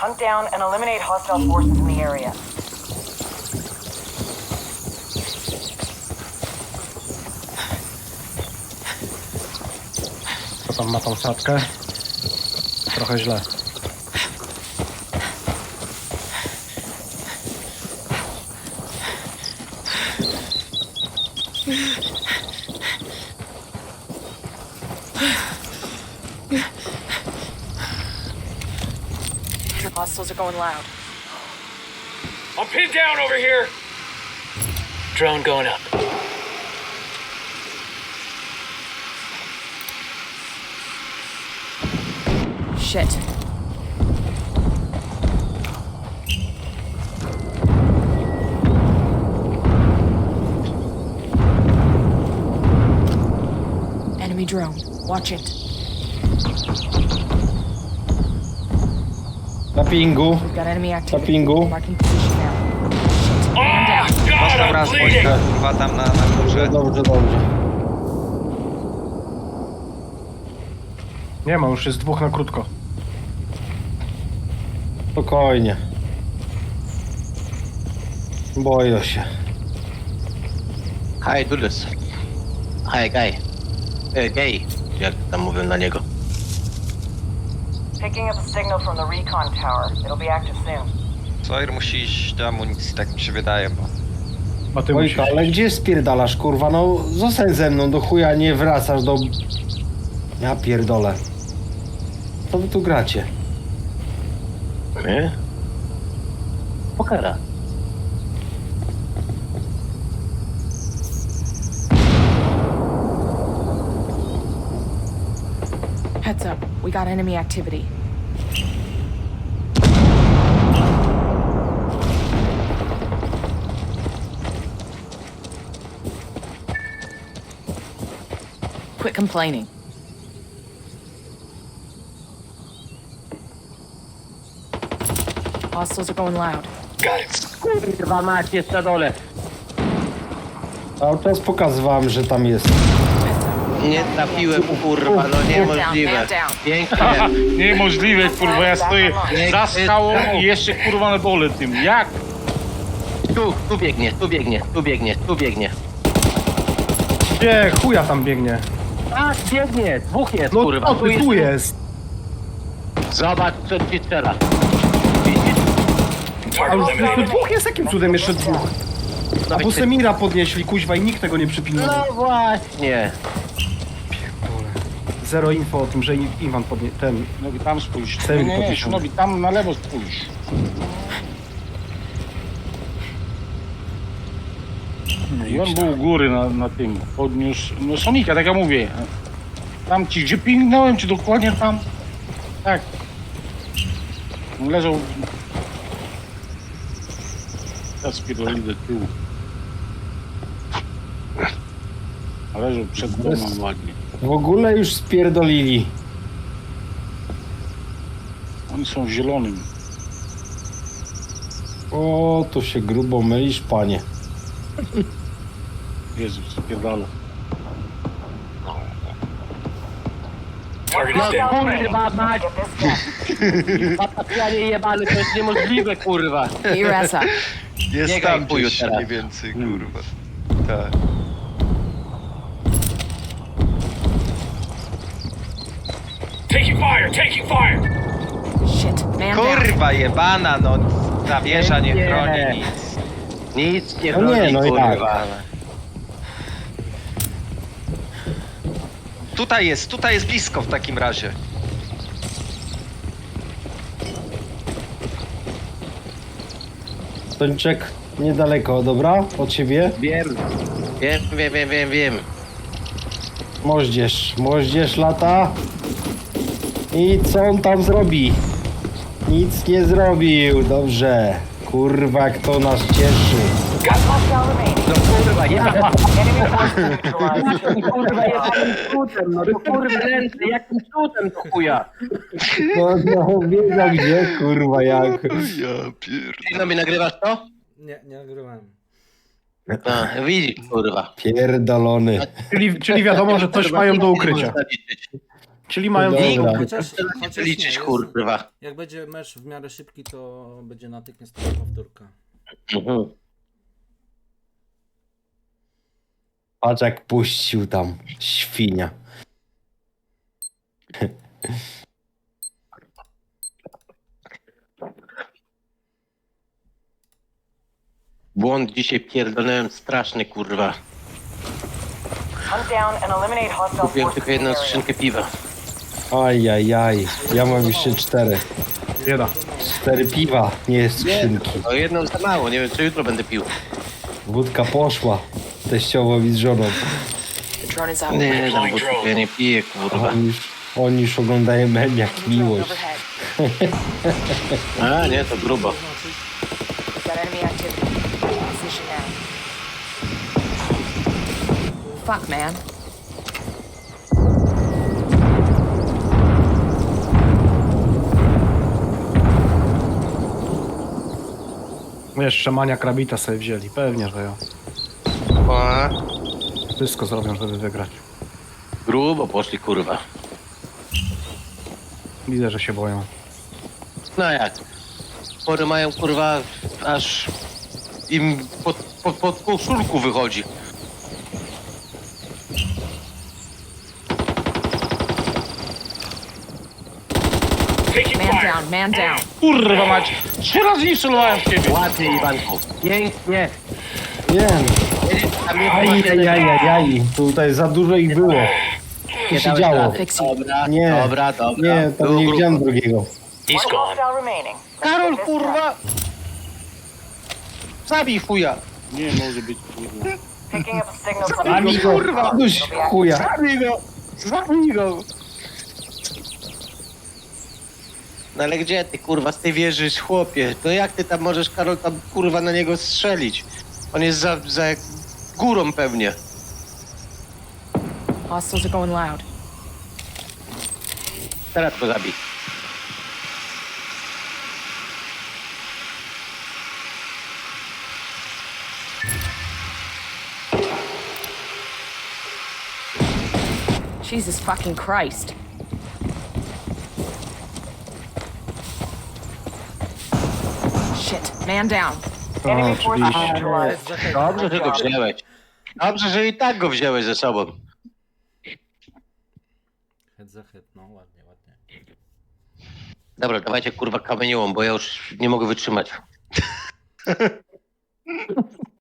Hunt down and eliminate hostile forces in the area. Co tam ma tą sadkę? Trochę źle. Hostiles are going loud. I'm pinned down over here. Drone going up. Shit. Enemy drone. Watch it. Na pingu. We've got enemy activity. Na pingu. Marking position now. Shit. Man down. God, Dostał I'm raz bleeding. wojska, kurwa, tam na górze. Dobrze, dobrze. Nie ma, już jest dwóch na krótko. Spokojnie. Boję się. Hi, Dulus. Hi, guy. Gay, jak tam mówią na niego. Picking up a signal from the recon tower. It'll be active soon. Sawyer musi iść do amunicji, tak mi się wydaje, bo... A ty musisz... ale gdzie spierdalasz, kurwa? No zostań ze mną, do chuja nie wracasz do... Ja pierdolę. Co wy tu gracie? My? Pokera. Heads up. We got enemy activity. Quit complaining. Hostiles are going loud. Got it. Kurwa mać, jest na dole. Cały czas pokazywałem, że tam jest. Nie trafiłem, kurwa, no niemożliwe. Man down. Pięknie. Niemożliwe, kurwa, ja stoję za skałą i jeszcze kurwa na dole tym. Jak? Tu biegnie, tu biegnie, tu biegnie, tu biegnie. Gdzie chuja tam biegnie? Tak, biegnie, dwóch jest, No kurwa. to ty tu jest. Zobacz, co ci strzela. Widzisz? A już jeszcze dwóch jest? Jakim cudem jeszcze dwóch? A bo Semira podnieśli, kuźwa, i nikt tego nie przypilnuje. No właśnie. Zero info o tym, że Iwan ten... Nogi tam spójrz. Chcę Nie, podnieść. Nogi tam na lewo spójrz. No i on był u góry na tym. Podniósł, no Sonika, tak jak mówię. Tam ci, gdzie pingnąłem, czy dokładnie tam? Tak. On leżał... Ja spierdolili do tyłu. A leżał przed domem ładnie. W ogóle już spierdolili. Oni są w zielonym. O, tu się grubo mylisz, panie. Jezus, Spierdala. Target No is down. kurwa mać. Patapianie jebany, to jest niemożliwe, kurwa. Get your ass up. Jest Biegaj, tam chuju, gdzieś teraz. mniej więcej, kurwa. Tak. Taking fire, taking fire. Shit. Man down. Kurwa jebana, no. Ta wieża nie Nie. chroni nic. Nic nie No nie, broni, no i kurwa. Tutaj jest blisko w takim razie. Tończek niedaleko, dobra? Od siebie? Wiem. Wiem. Moździerz lata. I co on tam zrobi? Nic nie zrobił, dobrze. Kurwa, jak to nas cieszy. Got hostile remaining. No kurwa, ja. Enemy forces neutralized. Kurwa, jakim cudem, no to kurwa ręce, jakim cudem to chuja. No, wiedział gdzie, kurwa, jak. Ja pierdolę. No mi nagrywasz to? Nie nagrywałem. No, widzisz, kurwa. Pierdolony. Czyli wiadomo, że coś mają do ukrycia. Czyli mają Dobra. długą. Chociaż Liczyć, nie, jest, kurwa. jak będzie mecz w miarę szybki, to będzie natychmiastowa powtórka. Mhm. Patrz jak puścił tam. Świnia. Błąd dzisiaj pierdolnąłem straszny, kurwa. Hunt down and eliminate hostile Kupiłem forces tylko in the jedną area. skrzynkę piwa. Ajajaj. Ja mam jeszcze 4. Bieda. 4 piwa, nie skrzynki. No jedną za mało, nie wiem co jutro będę pił. Wódka poszła. Teściowowi z żoną. The drone is out. Nie, tam wódki ja nie piję, kurwa. Oni już oglądają mem jak Drone miłość. overhead. A nie, to grubo. We've got enemy activity. Position now. Fuck, man. Jeszcze Mania Krabita sobie wzięli. Pewnie, że ja. A, Wszystko zrobią, żeby wygrać. grubo poszli, kurwa. Widzę, że się boją. No jak? Pory mają, kurwa, aż im pod koszulku wychodzi. Taking Man fire. down, man down. Kurwa mać! 3 razy nie strzelowałem w ciebie! Ładnie, Iwanku. Pięknie. Wiem. A mnie Ajajajajaj. Tutaj za dużo ich było. Co się działo? Fix you. Dobra, Nie. dobra, dobra. Nie, to Było nie grubo. widziałem drugiego. He's One gone. hostile remaining. Karol, kurwa! Zabij chuja! Nie może być, kurwa. Picking up a signal from Zabij go, kurwa! Duś chuja. Zabij go! Zabij go! No ale gdzie ty, kurwa, z tej wieży, chłopie? No jak ty tam możesz, Karol, tam, kurwa, na niego strzelić? On jest za górą pewnie. Hostiles are going loud. Teraz go zabij. Jesus fucking Christ. Shit, man down. Enemy forces oczywiście. neutralized. Dobrze, że go wziąłeś. Dobrze, że i tak go wziąłeś ze sobą. Head za head, no ładnie, ładnie. Dobra, dawajcie, kurwa, kamieniołom, bo ja już nie mogę wytrzymać.